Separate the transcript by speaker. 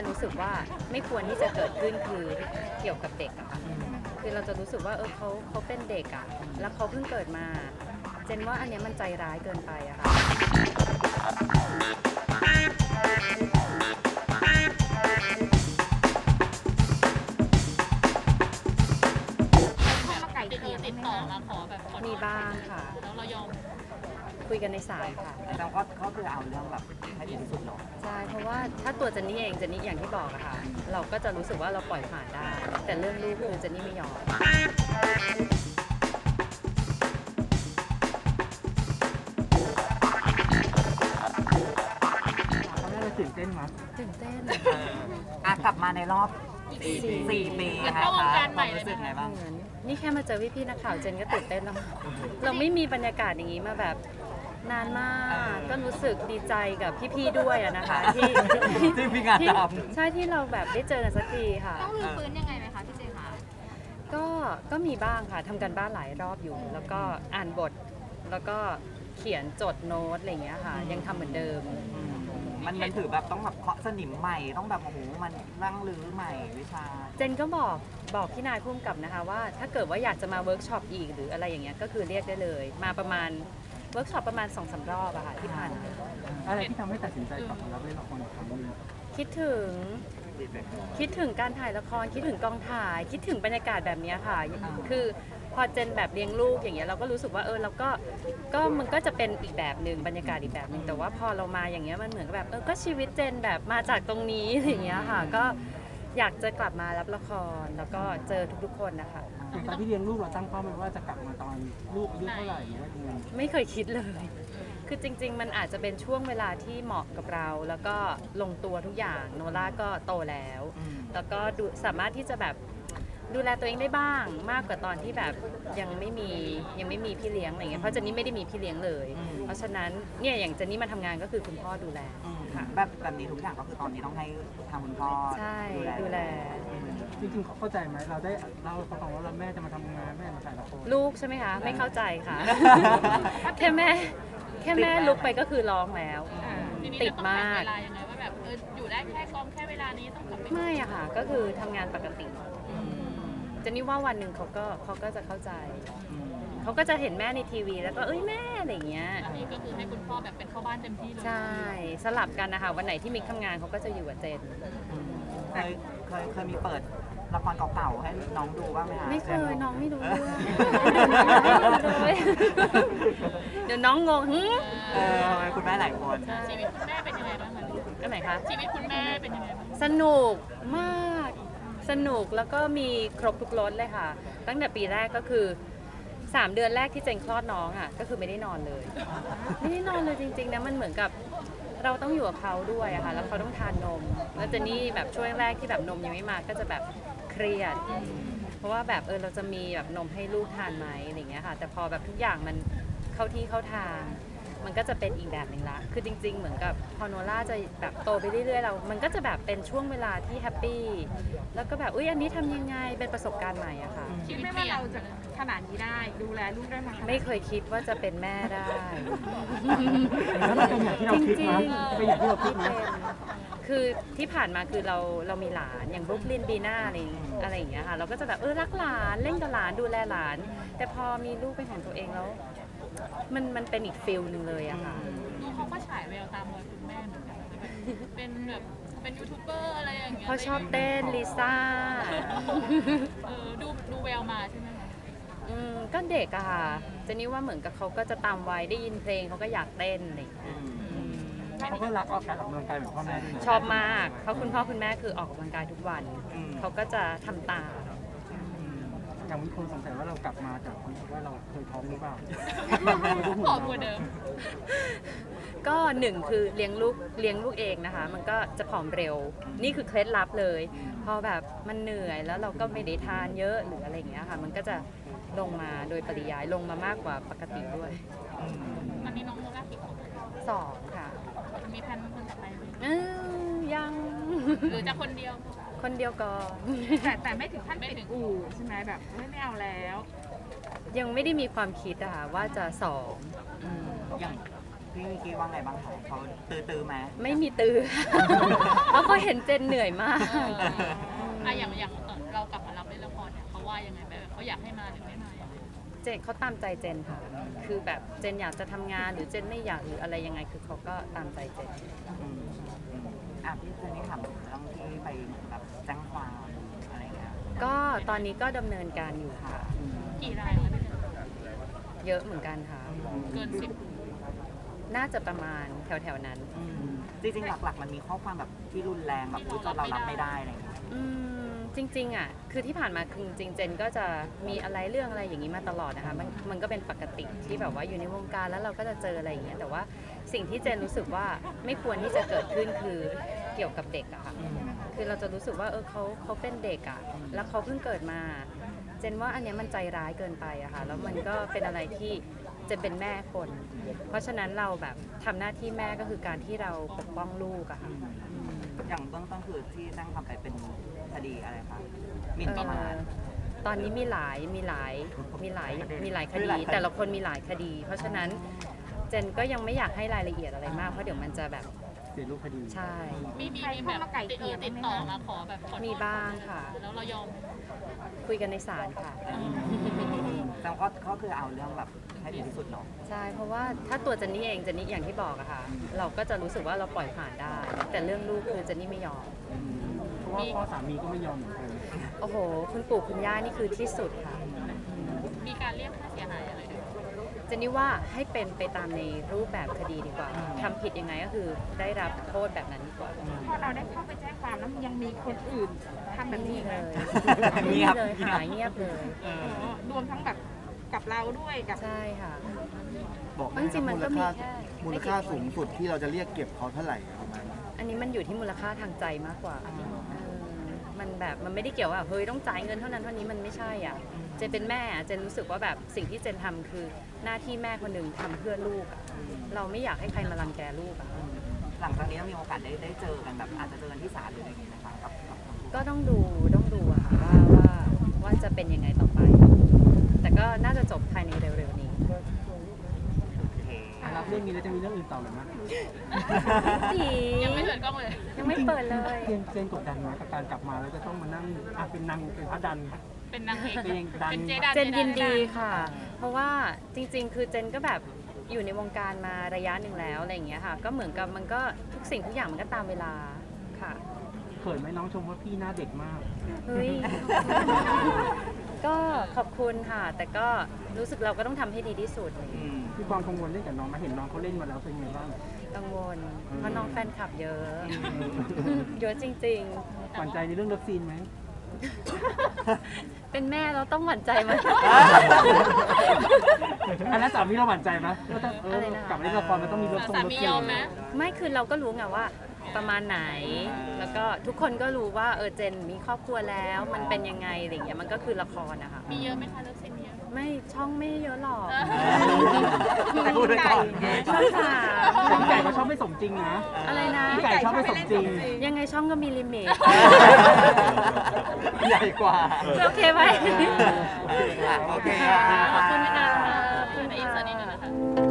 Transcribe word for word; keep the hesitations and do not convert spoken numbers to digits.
Speaker 1: นรู้สึกว่าไม่ควรที่จะเกิดขึ้นคือเกี่ยวกับเด็กอะค่ะคือเราจะรู้สึกว่าเออเขาเขาเป็นเด็กอะแล้วเขาเพิ่งเกิดมาเจนว่าอันเนี้ยมันใจร้ายเกินไปอะค่ะ
Speaker 2: ไก่เกลี่ยติดต่อมาขอแบบขอ
Speaker 1: มีบ้างค่ะ
Speaker 2: แล้วเรายอม
Speaker 1: คุยกันในสายค่ะ
Speaker 3: เราก็ก็คือเอาเรื่องแบบให้ดีที่สุดเนาะ
Speaker 1: ใช่เพราะว่าถ้าตัวเจนนี่เองเจนนี่อย่างที่บอกอะค่ะเราก็จะรู้สึกว่าเราปล่อยผ่านได้ แต่เรื่องลูกคือเจนนี่ไม่ยอม
Speaker 3: ตอนแรกเราตื่นเต้นมั้ย
Speaker 1: ตื่นเต้น
Speaker 3: อ่ะกลับมาในรอบสี่ปีนะคะความรู้สึกไงบ้าง
Speaker 1: เหมือนนี่แค่มาเจอพี่ๆนักข่าวเจนก็ตื่นเต้นแล้ว เราไม่มีบรรยากาศอย่างนี้มาแบบนานมาก ก็รู้สึกดีใจกับพี่ๆด้วยอะนะคะที่
Speaker 3: ที่มีงาน
Speaker 1: ที่
Speaker 3: ท
Speaker 1: ใช่ที่เราแบบได้เจอกันสักทีค่ะ
Speaker 2: ต้องรื้อฟื้นยังไงไหมคะพี่เจคะ
Speaker 1: ก็ก็มีบ้างค่ะทำกันบ้านหลายรอบอยู่ แล้วก็อ่านบท แล้วก็เขียนจดโน้ตอะไรอย่างเงี้ยค่ะ ยังทำเหมือนเดิม
Speaker 3: ำมันมันถือแบบต้องแบบเคาะสนิมใหม่ต้องแบบโอ้โหมันร่างรื้อใหม่วิชา
Speaker 1: เจนก็บอกบอกพี่นายพุ่มกับนะคะว่าถ้าเกิดว่าอยากจะมาเวิร์กช็อปอีกหรืออะไรอย่างเงี้ยก็คือเรียกได้เลย มาประมาณเวิร์กช็อปประมาณสองสามรอบอะค่ะที่ผ่านมา
Speaker 4: อะไรที่ทำให้ตัดสินใจกลับมารับเล่นละครอีกครั้งหนึง
Speaker 1: คิดถึงคิดถึงการถ่ายละครคิดถึงกองถ่าย คิดถึงบรรยากาศแบบเนี้ยค่ะ คือพอเจนแบบเลี้ยงลูกอย่างเงี้ยเราก็รู้สึกว่าเออเราก็ก็มันก็จะเป็นอีกแบบหนึ่งบรรยากาศอีกแบบหนึ่งแต่ว่าพอเรามาอย่างเงี้ยมันเหมือนกับแบบเออก็ชีวิตเจนแบบมาจากตรงนี้อย่างเงี้ยค่ะก็อยากจะกลับมารับละครแล้วก็เจอทุกๆคนนะคะ
Speaker 4: อย่างตอนที่เลี้ยงลูกเราตั้งเป้าไว้ว่าจะกลับมาตอนลูกอายุเท่าไหร่หรือว่ายังไง
Speaker 1: ไม่เคยคิดเลย คือจริง ๆ มันอาจจะเป็นช่วงเวลาที่เหมาะกับเรา แล้วก็ลงตัวทุกอย่างโนล่าก็โตแล้ว แล้วก็ดูสามารถที่จะแบบดูแลตัวเองได้บ้างมากกว่าตอนที่แบบยังไม่มียังไม่มีพี่เลี้ยงอะไรเงี้ยเพราะเจนนี่ไม่ได้มีพี่เลี้ยงเลย เพราะฉะนั้นเนี่ยอย่างเจนนี่มาทำงานก็คือคุณพ่อดูแลค่ะ
Speaker 3: แบบแบบนี้ทุกอย่างก็คือตอนนี้ต้องให้ทางคุณพ่อ
Speaker 1: ใช่ดูแล
Speaker 4: จริงๆเขาเข้าใจไหมเราได้เล่าให้เขาฟังว่าเราแม่จะมาทำงานแม่มาถ่ายละคร
Speaker 1: ลูกใช่ไหมคะ ไม่เข้าใจค่ะ แค่แม่แค่แม่ลุกไปก็คือร้องแล้ว
Speaker 2: ทีนี้
Speaker 1: ติด
Speaker 2: จะต้องแบ่ง
Speaker 1: มาก
Speaker 2: เวลายังไงว่าแบบเอออยู่ได้แค่กองแค่เวลานี้ต้องกลับไป
Speaker 1: ไม่อะค่ะ ก็คือทำงานปกติเจนนี่ว่าวันหนึ่งเขาก็เขาก็จะเข้าใจ เขาก็จะเห็นแม่ในทีวี แล้วก็เอ้ยแม่อะไรอย่างเงี้ย
Speaker 2: อันนี้ก็คือให้คุณพ่อแบบเป็นเข้าบ้านเต็มที่เลย
Speaker 1: ใช่ สลับกันนะคะ วันไหนที่มิกทำงานเขาก็จะอยู่กับเจน
Speaker 3: เคยเคยเคยมีเปิดละครเก่าๆให้น้องดูบ้างไหมคะ
Speaker 1: ไม่เคยน้องไม่รู้เรื่องเดี๋ยวน้องงงหึ
Speaker 3: เออคุณแม่หลายคน
Speaker 2: ชีวิตคุณแม่เป็นยังไงบ้างคะ
Speaker 1: อันไหนคะ
Speaker 2: ชีวิตคุณแม่เป็นยังไงบ้าง
Speaker 1: สนุกมาก สนุกแล้วก็มีครบทุกรสเลยค่ะ ตั้งแต่ปีแรกก็คือสามเดือนแรกที่เจนคลอดน้องอ่ะก็คือไม่ได้นอนเลย ไม่ได้นอนเลยจริงๆนะมันเหมือนกับเราต้องอยู่กับเขาด้วยอะค่ะแล้วเขาต้องทานนม แล้วเจนนี่แบบช่วงแรกที่แบบนมยังไม่มาก็จะแบบเครียด เพราะว่าแบบเออเราจะมีแบบนมให้ลูกทานไหมอะไรอย่างเงี้ยค่ะ แต่พอแบบทุกอย่างมันเข้าที่เข้าทาง มันก็จะเป็นอีกแบบหนึ่งละ คือจริง ๆ เหมือนกับพอโนล่าจะแบบโตไปเรื่อยๆเรา มันก็จะแบบเป็นช่วงเวลาที่แฮปปี้ แล้วก็แบบอุ้ยอันนี้ทำยังไง เป็นประสบการณ์ใหม่อะค่ะ
Speaker 2: ชีวิต
Speaker 5: ไม่
Speaker 2: เปลี่
Speaker 5: ว่าย
Speaker 2: น
Speaker 5: เราจะขนาดนี้ได้ดูแลลูกได้มาขนาด
Speaker 1: ไม่เคยคิดว่าจะเป็นแม่ได้
Speaker 4: แล้วมันเป็นอย่างที่เราคิดมั้ยเป็นอย่างที่เราคิด
Speaker 1: ไม่
Speaker 4: มั้ย
Speaker 1: เป็นคือที่ผ่านมาคือเราเรามีหลานอย่างบรุกลินบีน่าอะไรอะไรอย่างเงี้ยค่ะ เราก็จะแบบเออรักหลานเล่นกับหลานดูแลหลาน แต่พอมีลูกเป็นของตัวเองแล้ว มันมันเป็นอีกฟิลหนึ่งเลยอะค่ะ
Speaker 2: ดูเขาก็ฉายแววตามรอยคุณแม่เหมือนกันนะแบบเป็นแบบเป็นยูทูบเบอร์อะไรอย่างเงี้ย
Speaker 1: เขาชอบเต้นลิซ่า
Speaker 2: เออดูดูแววมาใช่ไหมคะ
Speaker 1: อืมก็เด็กอะค่ะเจนนี่ว่าเหมือนกับเขาก็จะตามวัยได้ยินเพลงเขาก็อยากเต้นอะไรอย่างเงี้ย
Speaker 4: เขาก็รักออกการออกกำลังกายเหมือนพ่อแม่ด้วยนะ
Speaker 1: ชอบมากเพราะคุณพ่อคุณแม่คือออกกำลังกายทุกวัน เขาก็จะทำตาม
Speaker 4: อย่างมีคนสงสัยว่าเรากลับมาจากว่าเราเคยท้องหรือเปล่า
Speaker 2: ผอมกว่าเดิม
Speaker 1: ก็หนึ่งคือเลี้ยงลูกเลี้ยงลูกเองนะคะ มันก็จะผอมเร็ว นี่คือเคล็ดลับเลย พอแบบมันเหนื่อยแล้วเราก็ไม่ได้ทานเยอะหรืออะไรอย่างเงี้ยค่ะ มันก็จะลงมาโดยปริยายลงมามากกว่าปกติด้วย
Speaker 2: ตอนนี้น้องโนล่ากี่ขวบ
Speaker 1: สองค่ะ
Speaker 2: มีแผนคนต่อไปไหม
Speaker 1: เออยัง
Speaker 2: หรือจะคนเดียว
Speaker 1: คนเดียวก่อน
Speaker 5: แต่แต่ไม่ถึงขั้นปิดอู่ใช่ไหมแบบไม่ไม่เอาแล้ว
Speaker 1: ยังไม่ได้มีความคิดอะค่ะว่าจะสองอืม
Speaker 3: อย่างพี่มิกกี้ว่าไงบ้างคะเขาตื้อตื้อๆไหม
Speaker 1: ไม่มีตือ เพราะเขาเห็นเจนเหนื่อยมาก
Speaker 2: เอออ่ะอย่างอย่างเอ่อเรากลับมารับเล่นละครเนี่ยเขาว่ายังไงแบบเขาอยากให้มาหรือไม่มายังไง
Speaker 1: เจนเขาตามใจเจนค่ะ คือแบบเจนอยากจะทำงานหรือเจนไม่อยากหรืออะไรยังไง คือเขาก็ตามใจเจน
Speaker 3: อืมอืมอ่ะพี่เจนนี่ถามถึงเรื่องที่ไปแบบแจ้งความอะไรเงี้ย
Speaker 1: ก็ตอนนี้ก็ดำเนินการอยู่ค่ะ
Speaker 2: กี่รายคะพี่เจน
Speaker 1: เยอะเหมือนกันค่ะ
Speaker 2: เกินสิบ
Speaker 1: น่าจะประมาณแถวๆนั้น
Speaker 3: อืมจริงๆหลักๆ มันมีข้อความแบบที่รุนแรงแบบอุ๊ยจนเรารับไม่ได้อะไรเงี้ย
Speaker 1: อืมจริงๆอ่ะคือที่ผ่านมาคือจริงๆเจนก็จะมีอะไรเรื่องอะไรอย่างนี้มาตลอดนะคะมันมันก็เป็นปกติที่แบบว่าอยู่ในวงการแล้วเราก็จะเจออะไรอย่างเงี้ยแต่ว่าสิ่งที่เจนรู้สึกว่าไม่ควรที่จะเกิดขึ้นคือเกี่ยวกับเด็กอะค่ะคือเราจะรู้สึกว่าเออเขาเขาเป็นเด็กอะแล้วเขาเพิ่งเกิดมา เจนว่าอันเนี้ยมันใจร้ายเกินไปอะค่ะแล้วมันก็เป็นอะไรที่เจนเป็นแม่คน เพราะฉะนั้นเราแบบทำหน้าที่แม่ก็คือการที่เราปกป้องลูกอะค่ะ
Speaker 3: อย่างเบื้องต้นคือที่แจ้งความไปเป็นคดีอะไรคะหมิ่นประมาท
Speaker 1: เอ่อตอนนี้มีหลายมีหลายมีหลายมีหลายค
Speaker 3: มี
Speaker 1: ดี
Speaker 3: หลายคดี
Speaker 1: แต่ละคนมีหลายคดี เพราะฉะนั้นเจนก็ยังไม่อยากให้รายละเอียดอะไรมากเพราะเดี๋ยวมันจะแบบ
Speaker 4: เสียรูปคดี
Speaker 1: ใช่
Speaker 2: มีมีมีแบบติดเออติดต่อมาขอแบบขอโทษ
Speaker 1: มีบ้างค่ะ
Speaker 2: แล้วเรายอม
Speaker 1: คุยกันในศาลค่ะ
Speaker 3: แต่ก็ก็คือเอาเรื่องแบบให้ถึงที่สุดเนาะ
Speaker 1: ใช่เพราะว่าถ้าตัวเจนนี่เองเจนนี่อย่างที่บอกอะค่ะ เราก็จะรู้สึกว่าเราปล่อยผ่านได้ แต่เรื่องลูกคือเจนนี่ไม่ยอม
Speaker 4: เพราะว่าพ่อสามีก็ไม่ยอมเหมือนกัน
Speaker 1: โอ้โห คุณปู่คุณย่านี่คือที่สุดค่ะ
Speaker 2: มีการเรียกค่าเสียหายอะไรด้วย
Speaker 1: เจนนี่ว่าให้เป็นไปตามในรูปแบบคดีดีกว่าทำผิดยังไงก็คือได้รับโทษแบบนั้นดีกว่า
Speaker 5: พอเราได้เข้าไปแจ้งความแล้วยังมีคนอื่นทำแบบนี้อีกไหม
Speaker 1: เงียบเลย
Speaker 3: เงียบ
Speaker 1: หายเงียบเลย
Speaker 5: อ๋อรวมทั้งแบบกับเราด้วยกับ
Speaker 1: ใช่ค่ะ
Speaker 6: บอก
Speaker 1: จริงๆมันก็มีแค่
Speaker 6: มูลค่าสูงสุดที่เราจะเรียกเก็บเขาเท่าไหร่ประมาณนั้น
Speaker 1: อันนี้มันอยู่ที่มูลค่าทางใจมากกว่าเออมันแบบมันไม่ได้เกี่ยวว่าเฮ้ยต้องจ่ายเงินเท่านั้นเท่านี้มันไม่ใช่อ่ะเจนเป็นแม่อะเจนรู้สึกว่าแบบสิ่งที่เจนทำคือหน้าที่แม่คนหนึ่งทำเพื่อลูกอะเราไม่อยากให้ใครมารังแกลูกอ่ะ
Speaker 3: หลังจากนี้มีโอกาสได้ได้เจอกันแบบอาจจะเจอกันที่ศาลหรืออะไรอย่างเงี้ยนะคะกับกับทั้งคู่
Speaker 1: ก็ต้องดูต้องดูอะค่ะว่าว่าว่าจะเป็นยังไงต่อไป แต่ก็น่าจะจบภายในเร็วๆนี้
Speaker 3: โอเค
Speaker 4: รับเรื่องนี้แล้วจะมีเรื่องอื่นต่อหรือไม่
Speaker 1: ดี
Speaker 2: ยังไม่เปิดกล้องเลย
Speaker 1: ยังไม่เปิดเลย
Speaker 4: เจนเจนกดดันไหมกับการกลับมาแล้วจะต้องมานั่งอ่ะเป็นนางเป็นพระดัน
Speaker 2: เป็นนางเอก
Speaker 4: เป็นดัน
Speaker 2: เป็นเจดัน
Speaker 1: เจนยินดีค่ะ เพราะว่าจริงๆ คือเจนก็แบบอยู่ในวงการมาระยะหนึ่งแล้วอะไรอย่างเงี้ยค่ะ ก็เหมือนกับมันก็ทุกสิ่งทุกอย่างมันก็ตามเวลาค่ะ
Speaker 4: เขินไหมน้องชมว่าพี่หน้าเด็กมาก
Speaker 1: เฮ้ย ก็ขอบคุณค่ะ แต่ก็รู้สึกเราก็ต้องทำให้ดีที่สุด
Speaker 3: อืม
Speaker 4: พี่ความกังวลเล่นกับน้องมาเห็นน้องเขาเล่นมาแล้วเป็นไงบ้าง
Speaker 1: กังวล เพราะน้องแฟนคลับเยอะ เยอะจริง
Speaker 4: หวั่นใจในเรื่องเลิฟซีนไหม
Speaker 1: ๆ เป็นแม่เราต้องหวั่นใจไหม
Speaker 4: อันนั้นสามีเราหวั่นใจไหมว่าถ้าเออ
Speaker 1: อะไรนะคะ
Speaker 4: กลับมาเล่นละครมันต้องมีเลิฟซีน
Speaker 2: สา
Speaker 4: เลิฟ
Speaker 2: มี
Speaker 4: ซี
Speaker 2: ยอม
Speaker 4: น
Speaker 2: ไหม
Speaker 1: ไม่คือเราก็รู้ไงว่าประมาณไหน แล้วก็ทุกคนก็รู้ว่าเออเจนมีครอบครัวแล้วมันเป็นยังไงอะไรอย่างเงี้ยมันก็คือละครนะคะ
Speaker 2: มีเยอะไหมคะเลิฟซีนมีเยอะ
Speaker 1: ไม่ช่องไม่เยอะหรอก
Speaker 3: แต่พูดไว้ก่อน
Speaker 1: ช่องสาม
Speaker 4: แต่พี่ไก่ก็ชอบไม่สมจริงนะ
Speaker 1: อะไรนะ
Speaker 4: พี่ไก่ชอบไม่สมจริง
Speaker 1: ยังไงช่องก็มีลิมิต
Speaker 3: ใหญ่กว่า
Speaker 1: โอเคไหม
Speaker 3: โอเคค่ะโอเคค่ะ
Speaker 1: ขอบคุณค่ะ
Speaker 2: ขอบคุณอินสตาดีนะคะ